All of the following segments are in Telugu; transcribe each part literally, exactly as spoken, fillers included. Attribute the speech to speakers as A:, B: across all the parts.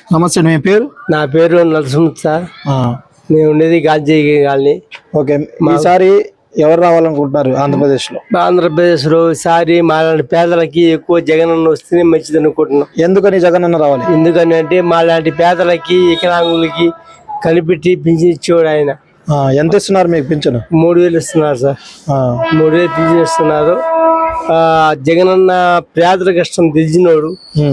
A: నమస్తే, మీ పేరు?
B: నా పేరు నరసింహ సార్. నేను ఉండేది గాంధీ కాలనీ.
A: ఓకే, ఈసారి ఎవరు రావాలనుకుంటున్నారు ఆంధ్రప్రదేశ్ లో?
B: ఆంధ్రప్రదేశ్ లో ఈసారి మాలాంటి పేదలకి ఎక్కువ జగనన్న వస్తేనే మంచిది అనుకుంటున్నాం.
A: ఎందుకని జగనన్న రావాలి?
B: ఎందుకని అంటే మాలాంటి పేదలకి వికలాంగులకి కనిపెట్టి పింఛన్ ఇచ్చేవాడు ఆయన.
A: ఎంత ఇస్తున్నారు మీకు పింఛను?
B: మూడు వేలు ఇస్తున్నారు సార్. మూడు వేలు పింఛన్ ఇస్తున్నారు. ఆ జగనన్న పేదల కష్టం తెలిసినోడు.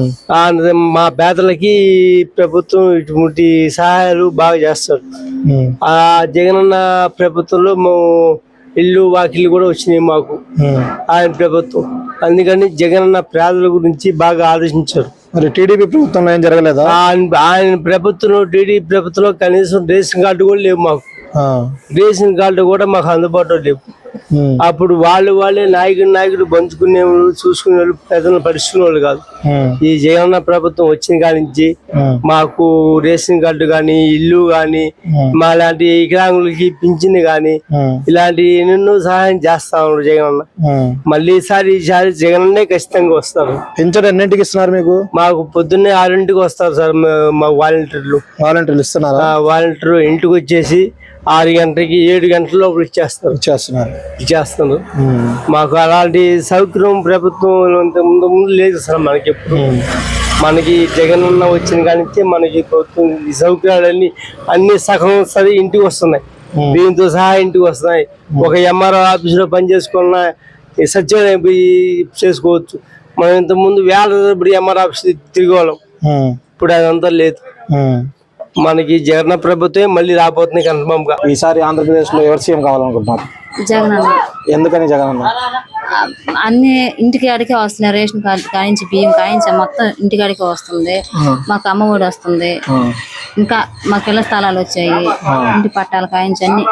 B: మా పేదలకి ప్రభుత్వం ఇటువంటి సహాయాలు బాగా చేస్తాడు. ఆ జగనన్న ప్రభుత్వంలో ఇల్లు వాకిళ్ళు కూడా వచ్చినాయి మాకు ఆయన ప్రభుత్వం. అందుకని జగనన్న పేదల గురించి బాగా ఆలోచించారు.
A: మరి టీడీపీ ప్రభుత్వంలో ఏం జరగలేదా?
B: ఆయన ప్రభుత్వంలో టీడీపీ ప్రభుత్వంలో కనీసం రేషన్ కార్డు కూడా లేవు మాకు. రేషన్ కార్డు కూడా మాకు అందుబాటులో లేవు. అప్పుడు వాళ్ళు వాళ్ళే నాయకుడు నాయకుడు పంచుకునే వాళ్ళు, చూసుకునే వాళ్ళు, ప్రజలను పరుచుకునే వాళ్ళు కాదు. ఈ జగనన్న ప్రభుత్వం వచ్చిన కాడి నుంచి మాకు రేషన్ కార్డు గాని, ఇల్లు గాని, మా లాంటి వికలాంగులకి పింఛన్ గాని ఇలాంటి ఎన్నెన్నో సహాయం చేస్తా ఉన్నారు జగనన్న. మళ్ళీ ఈసారి ఈసారి జగనన్నే ఖచ్చితంగా వస్తారు.
A: పింఛన్ ఎన్నింటికి ఇస్తున్నారు మీకు?
B: మాకు పొద్దున్నే ఆరింటికి వస్తారు సార్ మా వాలంటీర్లు.
A: వాలంటీర్లు ఇస్తున్నారా?
B: వాలంటీర్ ఇంటికి వచ్చేసి ఆరు గంటలకి ఏడు గంటల లోపల ఇచ్చేస్తారు
A: ఇచ్చేస్తున్నారు
B: ఇచ్చేస్తున్నారు మాకు అలాంటి సౌకర్యం ప్రభుత్వం ముందు ముందు లేదు సార్. మనకి ఎప్పుడు మనకి జగనన్న వచ్చిన కానీ మనకి ప్రభుత్వం ఈ సౌకర్యాలన్నీ అన్ని సగం సరి ఇంటికి వస్తున్నాయి. దీంతో సహా ఇంటికి వస్తున్నాయి. ఒక ఎంఆర్ఓ ఆఫీస్ లో పని చేసుకున్న సచివాలయం పోయి చేసుకోవచ్చు. మనం ఇంత ముందు వేల ఇప్పుడు ఎంఆర్ఓ ఆఫీస్ తిరిగేవాళ్ళం. ఇప్పుడు అదంతా లేదు. మనకి జగన్ ప్రభుత్వం మళ్ళీ రాబోతుంది కన్ఫర్మ్ గా.
A: ఈసారి ఆంధ్రప్రదేశ్ లో ఎవరు సీఎం కావాలనుకుంటున్నారు?
C: జగనన్న.
A: ఎందుకని జగనన్న?
C: అన్ని ఇంటికి అడిగే వస్తున్నాయి. రేషన్ కార్డు కాయించి బియ్యం కాయించి మొత్తం ఇంటికి అడిగే వస్తుంది. మాకు అమ్మ ఒడి వస్తుంది. ఇంకా మాకు ఇళ్ల స్థలాలు వచ్చాయి. ఇంటి పట్టాలు కాయించి అన్ని.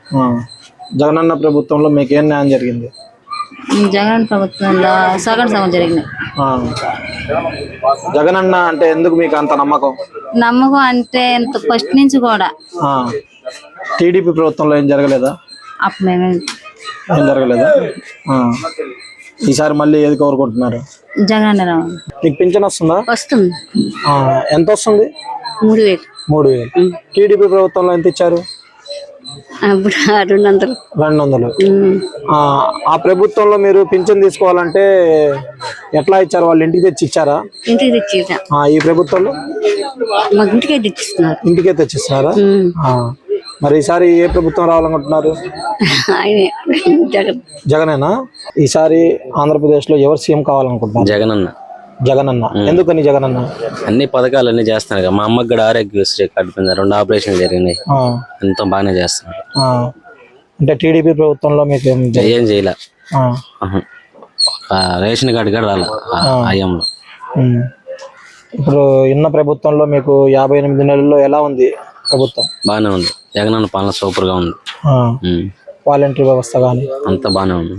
A: జగనన్న ప్రభుత్వంలో మీకు ఏం న్యాయం జరిగింది?
C: జగన్ ప్రభుత్వంలో సగం సగం జరిగినాయి.
A: జగనన్న అంటే ఎందుకు మీకు అంత నమ్మకం?
C: నమ్మకం అంటే ఇంత ఫస్ట్ నుంచి కూడా.
A: టీడీపీ ప్రభుత్వంలో ఏం జరగలేదా?
C: అప్పుడు మేము
A: ఏం జరగలేదా? ఈసారి మళ్ళీ ఏది కోరుకుంటున్నారు?
C: జగన్ రావాలి.
A: మీకు పింఛన్ వస్తుందా?
C: వస్తుంది.
A: ఎంత వస్తుంది?
C: మూడు వేలు.
A: మూడు వేలు. టీడీపీ ప్రభుత్వంలో ఎంత ఇచ్చారు?
C: రెండు వందలు.
A: రెండు వందలు. ఆ ప్రభుత్వంలో మీరు పింఛన్ తీసుకోవాలంటే ఎట్లా ఇచ్చారు? వాళ్ళు ఇంటికి తెచ్చి ఇచ్చారా?
C: ఇంటికి తెచ్చి.
A: ఈ ప్రభుత్వంలో
C: ఇంటికే తెచ్చిస్తున్నారు.
A: ఇంటికే తెచ్చిస్తున్నారా? మరి ఈసారి ఏ ప్రభుత్వం రావాలనుకుంటున్నారు? జగనేనా? ఈసారి ఆంధ్రప్రదేశ్ లో ఎవరు సీఎం కావాలనుకుంటున్నారు?
D: జగనన్న.
A: జగనన్న. ఎందుకని జగనన్న?
D: అన్ని పథకాలు అన్ని చేస్తున్నారు. మా అమ్మకి కూడా ఆరోగ్యశ్రీ కార్డు పొందారు. రెండు ఆపరేషన్ జరిగినాయి. ఎంతో బాగానే చేస్తున్నారు.
A: అంటే టీడీపీ ప్రభుత్వంలో మీకు
D: ఏం చేయలే. రేషన్ కార్డు కూడా రాలే ఆయంలో.
A: ఇప్పుడు ఉన్న ప్రభుత్వంలో మీకు యాభై ఎనిమిది నెలల్లో ఎలా ఉంది ప్రభుత్వం?
D: బాగానే ఉంది. జగనన్న పాలన సూపర్ గా ఉంది.
A: వాలంటీర్ వ్యవస్థ కానీ
D: అంతా బాగానే ఉంది.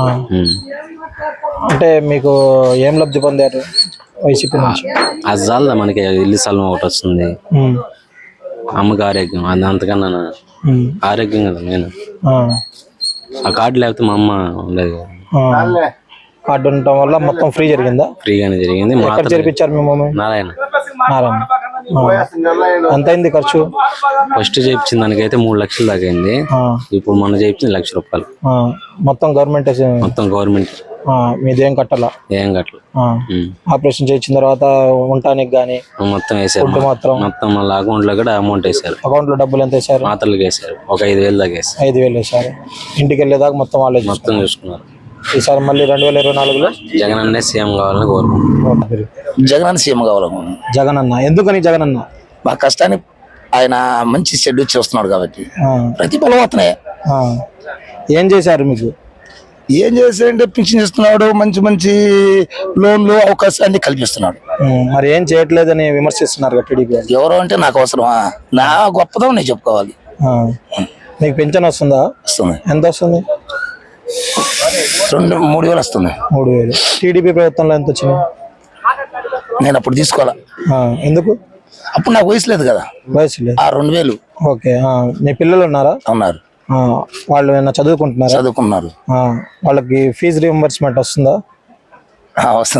A: అంటే మీకు ఏం లబ్ధి పొందారు వైసీపీ నుంచి?
D: అది చాలదా మనకి. ఇల్లు స్థలం ఒకటి వస్తుంది. అమ్మకి ఆరోగ్యం. అది అంతకన్నా ఆరోగ్యం కదా నేను. ఆ కార్డు లేకపోతే మా అమ్మ ఉండేది.
A: కార్డు ఉండటం వల్ల మొత్తం ఫ్రీ జరిగిందా?
D: ఫ్రీగానే జరిగింది.
A: ఎక్కడ జరిపించారు మీ మమ్మీ?
D: నారాయణ.
A: నారాయణ. ఎంత అయింది ఖర్చు?
D: ఫస్ట్ చేయించిన దానికైతే మూడు లక్షలు దాకా అయింది. ఇప్పుడు మొన్న చేయించింది లక్ష రూపాయలు.
A: మొత్తం గవర్నమెంట్?
D: మొత్తం గవర్నమెంట్.
A: మీదేం కట్టాలా?
D: ఏం కట్టలు.
A: ఆపరేషన్ చేయించిన తర్వాత ఉండటానికి గానీ
D: మొత్తం వేసారు.
A: మొత్తం
D: మొత్తం మళ్ళీ అకౌంట్ లో కూడా అమౌంట్ వేసారు.
A: అకౌంట్ లో డబ్బులు ఎంత వేసారు?
D: మాతలకు వేసారు. ఒక ఐదు వేలు దాకా వేసారు.
A: ఐదు వేలు వేసారు. ఇంటికి వెళ్ళేదాకా మొత్తం వాళ్ళే
D: మొత్తం చూసుకున్నారు.
A: ఈసారి మళ్ళీ రెండు వేల ఇరవై నాలుగులో
D: జగన్ అన్నే సీఎం కావాలని కోరుకుంటున్నారు.
E: జగన్ అన్న సీఎం కావాలను.
A: జగన్ అన్న. ఎందుకని జగన్ అన్న?
E: మా కష్టాన్ని ఆయన మంచి షెడ్యూల్ చేస్తున్నాడు కాబట్టి ప్రతిఫలం అవుతున్నాయి.
A: ఏం చేశారు మీకు?
E: ఏం చేశారంటే పింఛన్ ఇస్తున్నాడు. మంచి మంచి లోన్లు అవకాశాన్ని కల్పిస్తున్నాడు.
A: మరి ఏం చేయట్లేదని విమర్శిస్తున్నారు టీడీపీ.
E: ఎవరో అంటే నాకు అవసరమా? నా గొప్పదం నేను చెప్పుకోవాలి.
A: మీకు పింఛన్ వస్తుందా?
E: వస్తుంది.
A: ఎంత వస్తుంది?
E: రెండు మూడు వేలు వస్తుంది.
A: మూడు వేలు. టీడీపీ ప్రభుత్వంలో ఎంత వచ్చింది?
E: నేను అప్పుడు తీసుకోవాలా.
A: ఎందుకు?
E: అప్పుడు నాకు వయసు లేదు కదా.
A: వయసు లేదు.
E: ఆ రెండు వేలు.
A: ఓకే. మీ పిల్లలు ఉన్నారా?
E: ఉన్నారు.
A: వాళ్ళు ఏమైనా చదువుకుంటున్నారా?
E: చదువుకున్నారు.
A: వాళ్ళకి ఫీజు రీఎంబర్స్మెంట్ వస్తుందా?
E: వస్తుంది.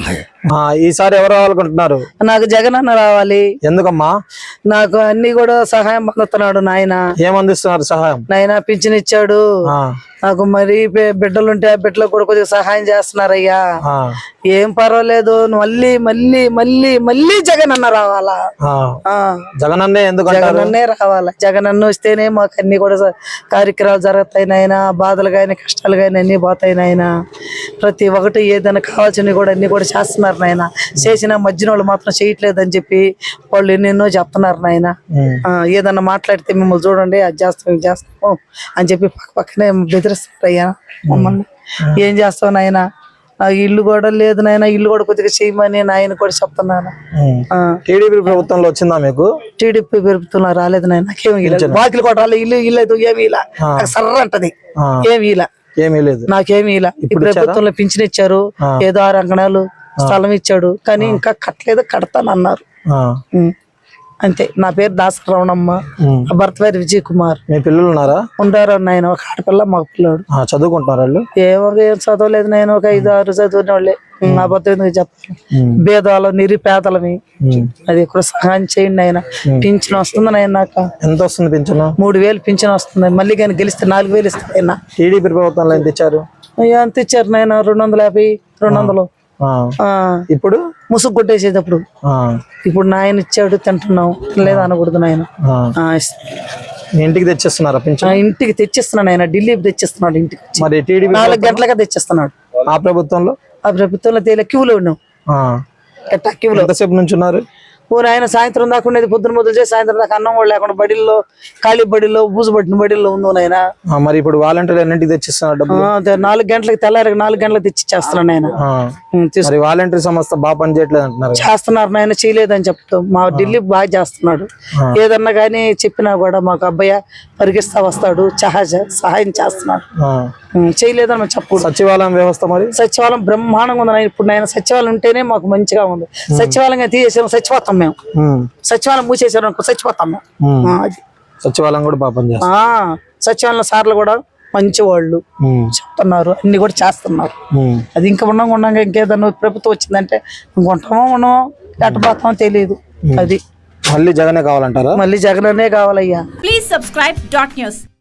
A: ఆ, ఈసారి ఎవరు రావాలనుకుంటున్నారు?
F: నాకు జగన్ అన్న రావాలి.
A: ఎందుకమ్మా?
F: నాకు అన్ని కూడా సహాయం పొందుతున్నాడు నాయన.
A: ఏమందిస్తున్నారు సహాయం?
F: నాయన పింఛన్ ఇచ్చాడు.
A: ఆ,
F: నాకు మరి బి- బిడ్డలుంటే ఆ బిడ్డలకు కూడా కొద్దిగా సహాయం చేస్తున్నారయ్యా.
A: ఆ,
F: ఏం పర్వాలేదు, మళ్ళీ మళ్ళీ మళ్ళీ మళ్ళీ జగన్ అన్న రావాలా.
A: ఆ.
F: ఆ
A: జగన్ అన్నే ఎందుకంటారు?
F: జగన్ అన్నే రావాలా. జగన్ అన్న వస్తేనే మాకు అన్ని కూడా స- కార్యక్రమాలు జరుగుతాయి నాయన. బాధలు కానీ కష్టాలు కానీ అన్ని పోతాయి నాయన. ప్రతి ఒక్కటి ఏదైనా కావాల్సినవి కూడా అన్ని కూడా చేస్తున్నారు నాయన. చేసిన మధ్యన వాళ్ళు మాత్రం చేయట్లేదు అని చెప్పి వాళ్ళు ఎన్నెన్నో చెప్తున్నారు నాయన. ఆ, ఏదన్నా మాట్లాడితే మిమ్మల్ని చూడండి అది చేస్తాం ఇది చేస్తాం అని చెప్పి పక్క పక్కనే బెదిరిస్తారయ్యా మమ్మల్ని. ఏం చేస్తావు నాయన, నాకు ఇల్లు కూడా లేదు నాయన, ఇల్లు కూడా కొద్దిగా చేయమని నాయన కూడా చెప్తున్నాను. ఆ,
A: టీడీపీ ప్రభుత్వంలో వచ్చిందా మీకు?
F: టీడీపీ పెరుగుతున్నా రాలేదు నాయన. నాకేమి ఇలా బాకీలు కూడా రాలేదు, ఇల్లు ఇల్లు అయితే ఏమి ఇలా నాకు సర్ర అంటది.
A: ఆ,
F: ఏమి ఇలా
A: ఏమీ లేదు.
F: నాకేమి ఇలా. ఈ ప్రభుత్వంలో పింఛన్ ఇచ్చారు, ఏదో ఆరు అంకణాలు స్థలం ఇచ్చాడు, కానీ ఇంకా కట్టలేదు, కడతానన్నారు.
A: ఆ,
F: ఉం. అంతే. నా పేరు దాసరవణమ్మ, నా భర్త పేరు విజయ్ కుమార్.
A: మీ పిల్లలు ఉన్నారా?
F: ఉండారు నాయన, ఒక ఆడపిల్ల మగ పిల్లాడు.
A: ఆ, చదువుకుంటున్నారు వాళ్ళు?
F: ఏమో ఏం చదవలేదు నేను, ఒక ఐదు ఆరు చదివిన వాళ్ళే. నా భర్త ఎందుకు చెప్పాలి, భేదాలు నిరుపేదలమి. అది కూడా సహాయం చేయండి ఆయన. పింఛన్ వస్తుంది నాయన, నాకు
A: ఎంత వస్తుంది పింఛన్?
F: మూడు వేలు పింఛన్ వస్తుంది. మళ్ళీ కానీ గెలిస్తే నాలుగు వేలు ఇస్తాను ఆయన.
A: టీడీపీ ప్రభుత్వంలో ఎంత ఇచ్చారు?
F: అయ్యా అంత ఇచ్చారు నాయన, రెండు వందల యాభై రెండు వందలు.
A: ఆ,
F: ఆ,
A: ఇప్పుడు
F: ముసుగు కొట్టేసేటప్పుడు.
A: ఆ,
F: ఇప్పుడు నాయన ఇచ్చాడు తింటున్నాం, లేదా అనకూడదు నాయన.
A: ఆ.
F: ఆ, ఇస్తా.
A: మీ ఇంటికి తెచ్చిస్తున్నారా
F: ఆ,
A: పింఛన్?
F: ఇంటికి తెచ్చిస్తున్నాడు ఆయన, ఢిల్లీకి తెచ్చిస్తున్నాడు ఇంటికి వచ్చి.
A: మరి టీడీపీ
F: నాలుగు గంటలుగా తెచ్చిస్తున్నాడు.
A: ఆ ప్రభుత్వంలో
F: ఆ ప్రభుత్వంలో తేలే క్యూలో ఉన్నాం,
A: ఆ,
F: ఎట్టా క్యూలో.
A: ఎంతసేపు నుంచి ఉన్నారు?
F: ఓ నాయన సాయంత్రం దాకా ఉండేది, పొద్దున మొదలు చేసి సాయంత్రం దాకా అన్నం కూడా లేకుండా బడిల్లో, ఖాళీ బడిలో, బూజు పట్టిన బడిల్లో ఉందో నాయన.
A: ఆ, మరి ఇప్పుడు వాలంటీర్ ఎన్నింటికి తెచ్చిస్తున్నారు డబ్బులు?
F: ఆ, అదే నాలుగు గంటలకు తెల్లారి నాలుగు గంటలకు తెచ్చి చేస్తున్నాడు ఆయన.
A: ఆ,
F: ఉం, తీసు-
A: మరి వాలంటీర్ సంస్థ బాగా పనిచేయట్లేదు అంటున్నారు కదా?
F: చేస్తున్నారు నాయన, చేయలేదని చెప్తాం. మా ఢిల్లీ బాగా చేస్తున్నాడు. ఏదన్నా కానీ చెప్పినా కూడా మాకు అబ్బాయి పరిగిస్తా వస్తాడు, సహాయ సహాయం చేస్తున్నాడు.
A: ఆ,
F: ఉం, చేయలేదని మనం చెప్పకూడదు.
A: సచివాలయం వ్యవస్థ మరి?
F: సచివాలయం బ్రహ్మాండంగా ఉంది నాయన. ఇప్పుడు నాయన సచివాలయం ఉంటేనే మాకు మంచిగా ఉంది. సచివాలయంగా తీసేసాము, చచ్చిపోతాం మేము.
A: ఉమ్,
F: సచివాలయం మూసేసారు అనుకో చచ్చిపోతాం మేము.
A: ఉమ్.
F: ఆ, అది
A: సచివాలయం కూడా బాగా పనిచేస్తుంది.
F: ఆ, సచివాలయం సార్లు కూడా మంచి వాళ్ళు
A: ఉమ్,
F: చెప్తున్నారు, అన్ని కూడా చేస్తున్నారు.
A: ఉమ్,
F: అది ఇంకా ఉండగా ఉండగా ఇంకేదన్నా ప్రభుత్వం వచ్చిందంటే ఇంకొంటామో ఉండమో ఎట్టపోతామో తెలియదు. అది
A: మళ్ళీ జగనే కావాలంటారా?
F: మళ్ళీ జగననే కావాలయ్యా.
G: Please subscribe dot news.